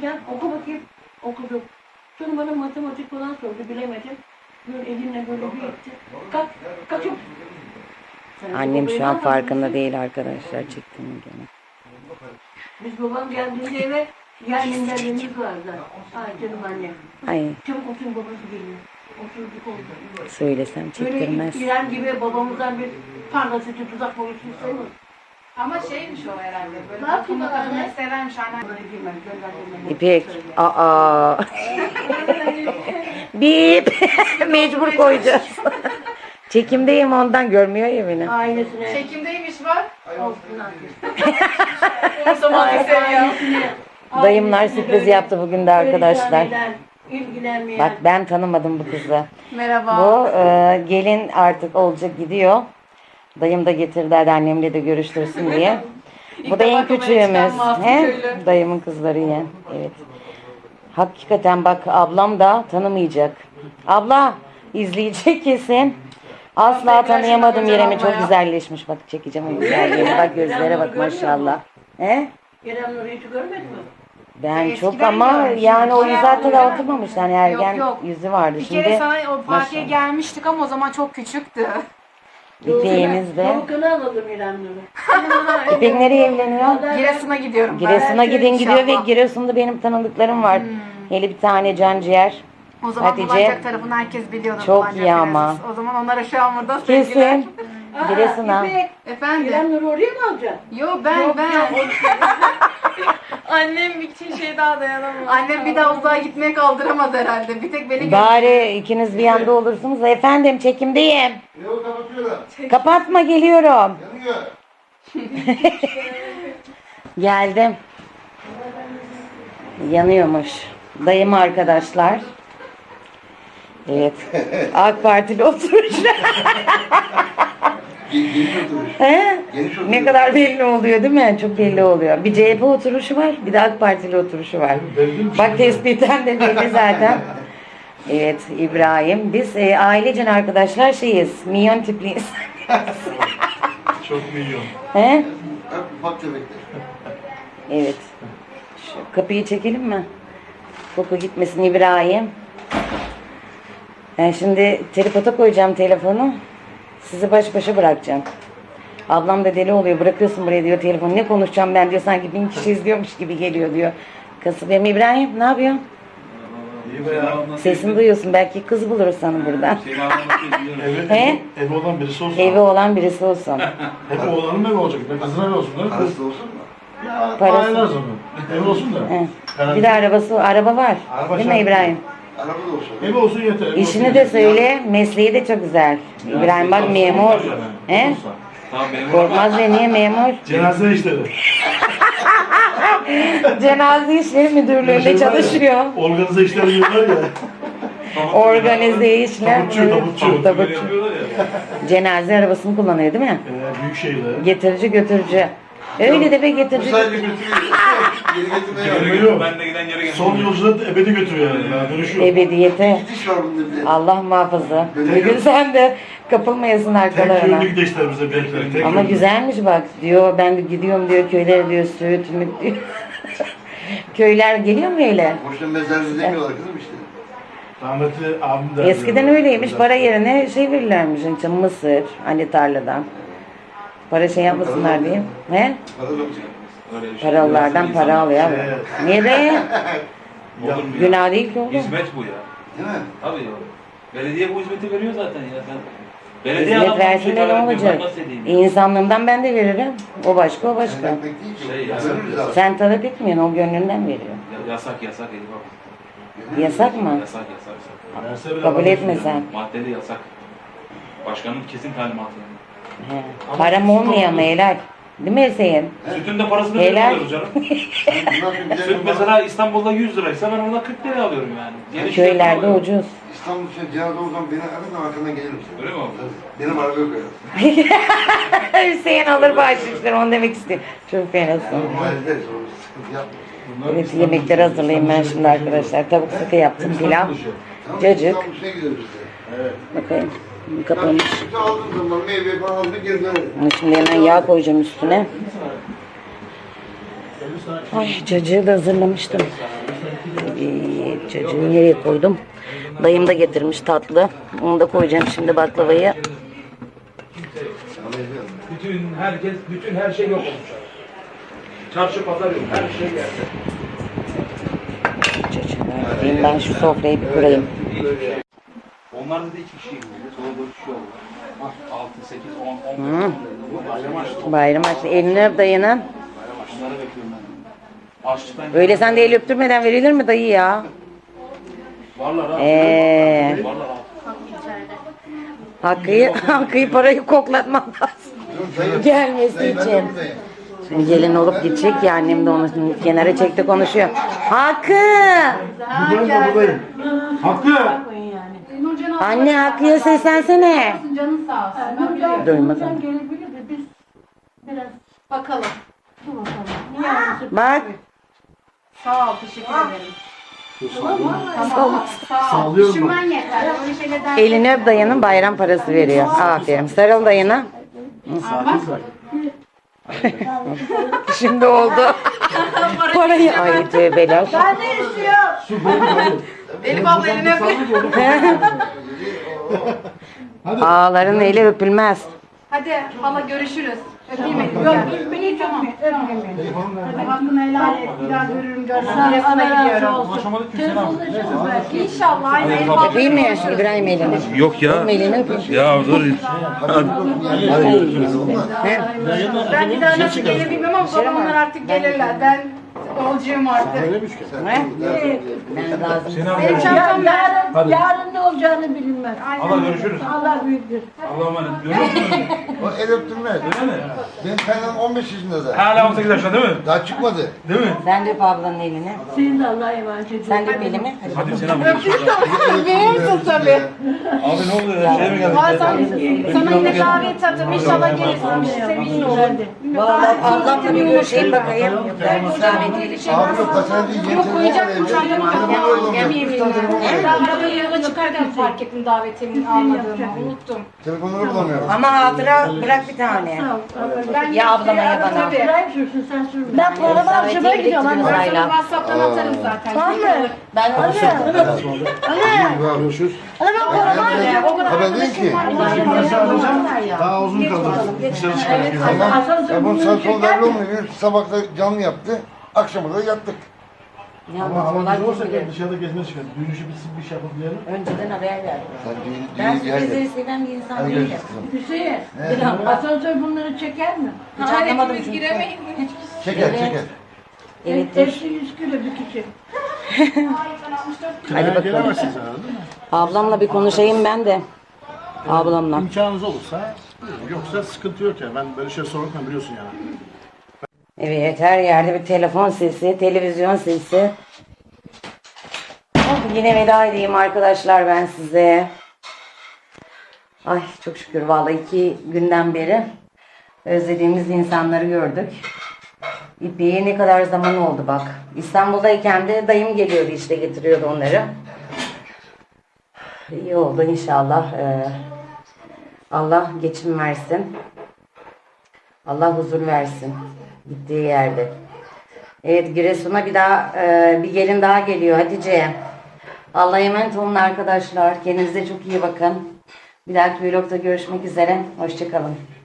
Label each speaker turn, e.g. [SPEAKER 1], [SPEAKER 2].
[SPEAKER 1] gel oku bakayım. Okudum. Sonra bana matematik falan sordu, bilemedim. Böyle elimle böyle bir etti. Kalk, kalk çabuk.
[SPEAKER 2] Annem şu an farkında değil arkadaşlar, çektiğimi gene.
[SPEAKER 1] Biz babam geldiğinde eve yerminlerimiz vardı. Ay canım anne.
[SPEAKER 2] Ay
[SPEAKER 1] Çabuk oturun, babası geliyor. Oturduk oldu.
[SPEAKER 2] söylesem çektirmez.
[SPEAKER 1] Böyle İrem gibi babamızdan bir parlatıcı tuzak boyusu istemiyor.
[SPEAKER 3] Ama şeymiş o herhalde. Böyle
[SPEAKER 1] Ne yapayım
[SPEAKER 3] takımı
[SPEAKER 1] anne?
[SPEAKER 3] takımı severmiş anne.
[SPEAKER 1] Bunları giymem, göndermem.
[SPEAKER 2] İpek, aa. Bip, mecbur koyacağız. Çekimdeyim, ondan görmüyor ya beni.
[SPEAKER 1] Ailesine.
[SPEAKER 3] Çekimdeymiş var.
[SPEAKER 1] Olsun artık.
[SPEAKER 3] O zaman seviyor.
[SPEAKER 2] Dayımlar sürpriz yaptı bugün de arkadaşlar.
[SPEAKER 1] İlgilenmeyen.
[SPEAKER 2] Bak ben tanımadım bu kızı.
[SPEAKER 3] Merhaba.
[SPEAKER 2] Bu gelin artık olacak, gidiyor. Dayım da getirdi, hadi annemle de görüştürsün diye. Bu da en küçüğümüz. He? Dayımın kızları yeğen. Evet. Hakikaten bak, ablam da tanımayacak. Abla izleyecek kesin. Asla tanıyamadım yerimi, çok güzelleşmiş. Bak çekeceğim o güzelliğini. Bak gözlere bak maşallah. He?
[SPEAKER 1] İrem Nur'u hiç görmedin mi?
[SPEAKER 2] Ben
[SPEAKER 3] Eskiden
[SPEAKER 2] çok ama
[SPEAKER 3] görmüştüm.
[SPEAKER 2] yani o yüz
[SPEAKER 3] Bayağı
[SPEAKER 2] zaten
[SPEAKER 3] oluyor.
[SPEAKER 2] oturmamış. Yani ergen
[SPEAKER 3] yok.
[SPEAKER 2] yüzü vardı.
[SPEAKER 3] Bir kere
[SPEAKER 2] Şimdi
[SPEAKER 3] sana o partiye
[SPEAKER 2] maşallah.
[SPEAKER 3] gelmiştik ama o zaman çok küçüktü.
[SPEAKER 2] İpeğimiz de.
[SPEAKER 1] Tavukunu alalım İrem Nur'u.
[SPEAKER 2] İpek nereye evleniyor?
[SPEAKER 3] Giresun'a gidiyorum.
[SPEAKER 2] Giresun'a
[SPEAKER 3] ben.
[SPEAKER 2] gidin gidiyor ve
[SPEAKER 3] İnşallah.
[SPEAKER 2] Giresun'da benim tanıdıklarım var. Hele bir tane canciğer.
[SPEAKER 3] O zaman
[SPEAKER 2] Hatice.
[SPEAKER 3] Bulancak tarafını herkes biliyordu.
[SPEAKER 2] Çok
[SPEAKER 3] Bulancak
[SPEAKER 2] iyi ama.
[SPEAKER 3] Giresun. O zaman onlara şu an burada sevgiler.
[SPEAKER 2] Kesin. Giresun'a.
[SPEAKER 1] İpek,
[SPEAKER 3] Efendim?
[SPEAKER 1] İrem Nur'u oraya mı alacaksın?
[SPEAKER 3] Yo ben.
[SPEAKER 4] Annem için şey daha dayanamam.
[SPEAKER 3] Annem bir daha uzağa gitmeye kaldıramaz herhalde. Bir tek beni
[SPEAKER 2] Bari ikiniz bir yanda olursunuz. Efendim çekimdeyim.
[SPEAKER 5] Yok kapatıyorlar.
[SPEAKER 2] Kapatma, geliyorum.
[SPEAKER 5] Yanıyor.
[SPEAKER 2] Geldim. Yanıyormuş. Dayım arkadaşlar. Evet. AK Partili oturuş.
[SPEAKER 5] Geniş oturuş.
[SPEAKER 2] He?
[SPEAKER 5] Geniş oturuş.
[SPEAKER 2] Ne kadar belli oluyor değil mi? Çok belli oluyor. Bir CHP oturuşu var, bir de AK Partili oturuşu var. Bak tespitten de belli zaten. Evet İbrahim. Biz ailecen arkadaşlar şeyiz. Minyon tipliyiz.
[SPEAKER 6] Çok milyon.
[SPEAKER 2] He?
[SPEAKER 5] Hep ufak tefekler.
[SPEAKER 2] Evet. Şu kapıyı çekelim mi? Koku gitmesin İbrahim. Ben şimdi tripota koyacağım telefonu. Sizi baş başa bırakacağım. Ablam da deli oluyor. Bırakıyorsun buraya diyor telefonu. Ne konuşacağım ben diyor. Sanki 1000 kişi izliyormuş gibi geliyor diyor. Kasıbım İbrahim ne yapıyorsun?
[SPEAKER 6] İyi be ya.
[SPEAKER 2] Sesini duyuyorsun. Belki kız buluruz sana buradan. He?
[SPEAKER 6] Evi olan birisi olsun.
[SPEAKER 2] Evi olan birisi olsun.
[SPEAKER 6] Hep oğlanın evi olacak. Ben kızın evi olsun. Değil mi?
[SPEAKER 5] Parası da olsun mu?
[SPEAKER 6] Ya
[SPEAKER 2] Parası.
[SPEAKER 6] aileler zaman. Evi olsun da.
[SPEAKER 2] He.
[SPEAKER 6] Herhalde.
[SPEAKER 2] Bir de araba var.
[SPEAKER 6] Araba
[SPEAKER 2] Değil mi
[SPEAKER 6] şart.
[SPEAKER 2] İbrahim?
[SPEAKER 5] Araba da olsun.
[SPEAKER 6] Evi olsun yeter. evi olsun
[SPEAKER 2] İşini de
[SPEAKER 6] yeter.
[SPEAKER 2] söyle. Mesleği de çok güzel. İbrahim bak memur. He?
[SPEAKER 7] Tamam memur.
[SPEAKER 2] Korkmaz ve niye memur?
[SPEAKER 6] Cenaze işleri.
[SPEAKER 2] Cenaze İşleri Müdürlüğü'nde çalışıyor.
[SPEAKER 6] Organize işleri diyorlar ya.
[SPEAKER 2] Organize işler.
[SPEAKER 6] Tabutçu, tabutçu.
[SPEAKER 2] Tabutçu.
[SPEAKER 7] Yapıyorlar ya.
[SPEAKER 2] Cenaze arabasını kullanıyor değil mi?
[SPEAKER 6] Büyük şehirler.
[SPEAKER 2] Getirici götürücü. Öyle de be
[SPEAKER 5] Bu
[SPEAKER 2] getirici.
[SPEAKER 5] sadece götürüyor. Geri getirmeye yok.
[SPEAKER 6] Götürüyor.
[SPEAKER 7] Yok. Ben de giden yere
[SPEAKER 6] Son
[SPEAKER 7] geldim.
[SPEAKER 6] yolculuğu da ebedi götürüyor yani. Yani dönüşüyor.
[SPEAKER 2] Ebediyete.
[SPEAKER 5] Gidiş var bunda bir de.
[SPEAKER 2] Allah muhafaza. Bugün sen de kapılmayasın
[SPEAKER 6] Tek
[SPEAKER 2] arkalarına.
[SPEAKER 6] yönlü gideşler bize belki. Tek
[SPEAKER 2] Ama
[SPEAKER 6] yönlü.
[SPEAKER 2] güzelmiş bak diyor. Ben de gidiyorum diyor köylere diyor süt mü diyor. Köyler geliyor mu öyle?
[SPEAKER 5] Boşuna mezarcı demiyorlar kızım işte.
[SPEAKER 6] Rahmetli abim de.
[SPEAKER 2] Eskiden öyleymiş. Para yerine şey verirlermiş. İşte mısır hani tarladan. Para şey yapmasınlar diye. He?
[SPEAKER 5] Para da mı?
[SPEAKER 7] Öyle bir şey.
[SPEAKER 2] Paralılardan para alıyor. Niye be?
[SPEAKER 7] Olur mu ya?
[SPEAKER 2] Günah değil ki oğlum.
[SPEAKER 7] Hizmet bu ya.
[SPEAKER 5] Değil mi?
[SPEAKER 7] Tabii ya. Belediye bu hizmeti veriyor zaten ya. Sen belediye
[SPEAKER 2] Hizmet
[SPEAKER 7] adamdan
[SPEAKER 2] versin
[SPEAKER 7] şey
[SPEAKER 2] de ne
[SPEAKER 7] talep ediyor,
[SPEAKER 2] olacak?
[SPEAKER 7] ben nasıl edeyim?
[SPEAKER 2] İnsanlığımdan ben de veririm. O başka o başka.
[SPEAKER 5] Ekmek değil ki.
[SPEAKER 7] Şey ya.
[SPEAKER 5] Veririz abi.
[SPEAKER 2] Sen talep etmiyorsun, o gönlünden veriyor.
[SPEAKER 7] Yasak Elif abi.
[SPEAKER 2] Yasak mı?
[SPEAKER 7] Yasak.
[SPEAKER 6] Verse bile
[SPEAKER 2] Kabul
[SPEAKER 6] alamıyorsun
[SPEAKER 2] etme
[SPEAKER 6] ya.
[SPEAKER 2] sen.
[SPEAKER 7] Maddeli yasak. Başkanın kesin talimatı yani.
[SPEAKER 2] He. Param olmuyor mu helal? Değil mi Hüseyin?
[SPEAKER 7] Sütün de parasını
[SPEAKER 2] Helal.
[SPEAKER 7] veriyoruz canım.
[SPEAKER 5] Bundan sonra güzel
[SPEAKER 7] Süt
[SPEAKER 5] bir
[SPEAKER 7] mesela İstanbul'da 100 liraysa ben orada 40 liraya alıyorum yani. Yeni süt
[SPEAKER 2] Köylerde
[SPEAKER 7] alıyorum.
[SPEAKER 2] ucuz.
[SPEAKER 5] İstanbul için cenaze o zaman beni ararsan arkandan gelirim sana.
[SPEAKER 7] Öyle mi abi?
[SPEAKER 5] Benim araba yok ya.
[SPEAKER 2] Hüseyin alır bahşişleri, onu demek istiyor. Çok fenasın.
[SPEAKER 5] Hallederiz onu. Sıkıntı yapma.
[SPEAKER 2] Evet, yemekleri hazırlayayım ben şimdi arkadaşlar. Tavuk sote yaptım, pilav.
[SPEAKER 5] Tamam,
[SPEAKER 2] Cacık.
[SPEAKER 5] İstanbul işine gideriz biz de.
[SPEAKER 2] Bakayım.
[SPEAKER 5] Ben
[SPEAKER 2] Kapamış.
[SPEAKER 5] sütü aldığım zaman meyve falan aldım geri dönerim.
[SPEAKER 2] Şimdi hemen yağ koyacağım üstüne. Ay cacığı da hazırlamıştım. Cacığı nereye koydum? Dayım da getirmiş tatlı. Onu da koyacağım şimdi baklavayı.
[SPEAKER 7] Bütün her şey yok olmuş. Çarşı pazar yok. Her şey yerde.
[SPEAKER 2] Cacığı. Ben şu sofrayı bir kurayım.
[SPEAKER 7] Onların da 2 kişi gidiyor. Sonra 4 kişi oldu. 6, 8, 10.
[SPEAKER 2] Bayram açtı. Elini öp dayının.
[SPEAKER 7] Bunları bekliyorum ben. Açlıktan
[SPEAKER 2] Öyle sen de el öptürmeden verilir mi dayı ya?
[SPEAKER 7] varlar ha. Varlar ha.
[SPEAKER 2] Hakkı'yı parayı koklatmam lazım. Gelmesi için. Şimdi gelin olup gidecek ya, annem de onu şimdi kenara çekti konuşuyor. Hakkı!
[SPEAKER 6] Hakkı!
[SPEAKER 2] Anne Hakkı'ya seslensene.
[SPEAKER 3] Canın sağ olsun.
[SPEAKER 2] Duymazım.
[SPEAKER 1] Gelebilir de biz biraz
[SPEAKER 3] Bakalım.
[SPEAKER 1] dur bakalım. Niye ağrısı?
[SPEAKER 2] Bak.
[SPEAKER 3] Sağ ol, teşekkür ederim.
[SPEAKER 2] Tamam.
[SPEAKER 3] Sağ ol. Düşünmen yeter. Öyle şeyler der.
[SPEAKER 2] Elini öp, dayının bayram parası veriyor. Aferin. Sarıl dayına. Şimdi oldu. Parayı. Ay tövbeler.
[SPEAKER 1] Ben ne istiyorum?
[SPEAKER 3] Elif abla elini öpeyim.
[SPEAKER 2] Ağların eli öpülmez.
[SPEAKER 3] Hadi hala görüşürüz. Öpeyim Elif.
[SPEAKER 1] Yok,
[SPEAKER 3] Gel.
[SPEAKER 1] beni hiç öpmeyin.
[SPEAKER 3] Hadi hakkını helal et. Bir daha görürüm görürüm.
[SPEAKER 1] Allah
[SPEAKER 3] Giresun'a
[SPEAKER 1] razı
[SPEAKER 3] gidiyorum.
[SPEAKER 1] olsun. Telefonda çıkın belki.
[SPEAKER 3] İnşallah. Aynı Elif abla.
[SPEAKER 2] Öpeyim mi İbrahim elini?
[SPEAKER 7] Yok ya.
[SPEAKER 2] Elini öpeyim.
[SPEAKER 7] Ya dur.
[SPEAKER 2] He?
[SPEAKER 3] Ben bir daha nasıl gelir bilmem ama babamlar artık gelirler. Ben yolcuyum artık.
[SPEAKER 2] He? Ben lazım.
[SPEAKER 3] Benim çantam ver.
[SPEAKER 1] Yarın ne olacağını bilinmez.
[SPEAKER 6] Allah görüşürüz.
[SPEAKER 1] Allah büyüktür.
[SPEAKER 6] Allah'a emanet. Görüyor musun?
[SPEAKER 5] O el öptürmez.
[SPEAKER 6] Öyle mi?
[SPEAKER 5] Benim kaynanam 15 yaşında da.
[SPEAKER 6] Hala 18 yaşında değil mi?
[SPEAKER 5] Daha çıkmadı.
[SPEAKER 6] Değil mi?
[SPEAKER 2] Sen de öp ablanın elini.
[SPEAKER 1] Senin de Allah'a emanet ediyorum.
[SPEAKER 2] Sen de öp elimi. Hadi.
[SPEAKER 6] Hadi Sinan.
[SPEAKER 3] Beğenirsin tabii.
[SPEAKER 6] Abi ne oldu ya? Şeye mi geldik?
[SPEAKER 3] Sana yine davet atarım. İnşallah gelirsin. Sevinçli olur.
[SPEAKER 2] Vallahi ablamla bir görüşeyim bakayım. Ben rahmetliyle şey.
[SPEAKER 5] Abi yok kaçar değil.
[SPEAKER 3] Yok koyacaktım çantamı kapıya. Yemeğimi
[SPEAKER 2] Ne?
[SPEAKER 3] Ben arabayı yola çıkarken fark ettim davetimin almadığımı. Unuttum.
[SPEAKER 5] Telefonları bulamıyorum.
[SPEAKER 2] Ama hatıra bırak bir tane.
[SPEAKER 3] Ben
[SPEAKER 2] Ya ablama ya bana.
[SPEAKER 3] Tabii.
[SPEAKER 1] Sırayım sürsün sen sürme.
[SPEAKER 2] Ben programı harcamaya gidiyorum anne.
[SPEAKER 3] Ben sana WhatsApp'tan atarım zaten. Tamam mı?
[SPEAKER 2] Ben
[SPEAKER 5] Görüşürüz.
[SPEAKER 3] O kadar
[SPEAKER 5] Haber değil ki.
[SPEAKER 6] Daha uzun kaldı. Dışarı çıkarız.
[SPEAKER 5] Tamam. Ya bunu sen son belli olmuyor. Bir sabah da canlı yaptı. Akşama da yattık.
[SPEAKER 6] Ama hava güzel olsa gel dışarıda gezmeye çıkarız. Düğün işi bitsin bir şey yapıp diyelim.
[SPEAKER 2] önceden haber verdim.
[SPEAKER 5] Sen
[SPEAKER 2] Ben
[SPEAKER 5] düğün gel.
[SPEAKER 2] sürprizleri seven bir insan
[SPEAKER 5] Hadi
[SPEAKER 2] değilim.
[SPEAKER 5] görüşürüz kızım.
[SPEAKER 1] Hüseyin, asansör bunları çeker mi?
[SPEAKER 2] Hiç anlamadım çünkü.
[SPEAKER 3] Giremeyin.
[SPEAKER 5] Çeker çeker.
[SPEAKER 2] Evet.
[SPEAKER 1] Eksi 100 kilo bir kişi.
[SPEAKER 2] Hadi bakalım.
[SPEAKER 6] Gelemezsiniz herhalde değil mi?
[SPEAKER 2] Ablamla bir konuşayım ben de. Ablamla.
[SPEAKER 6] İmkanınız olursa, yoksa sıkıntı yok ya. Ben böyle şey sormakla biliyorsun yani.
[SPEAKER 2] Evet, her yerde bir telefon sesi, televizyon sesi. Oh, yine veda edeyim arkadaşlar ben size. Ay çok şükür vallahi 2 günden beri özlediğimiz insanları gördük. İpek'e ne kadar zaman oldu bak. İstanbul'dayken de dayım geliyordu işte, getiriyordu onları. İyi oldu inşallah. Allah geçim versin. Allah huzur versin gittiği yerde. Evet, Giresun'a bir daha bir gelin daha geliyor Hatice. Allah'a emanet olun arkadaşlar. Kendinize çok iyi bakın. Bir dahaki vlogda görüşmek üzere. Hoşça kalın.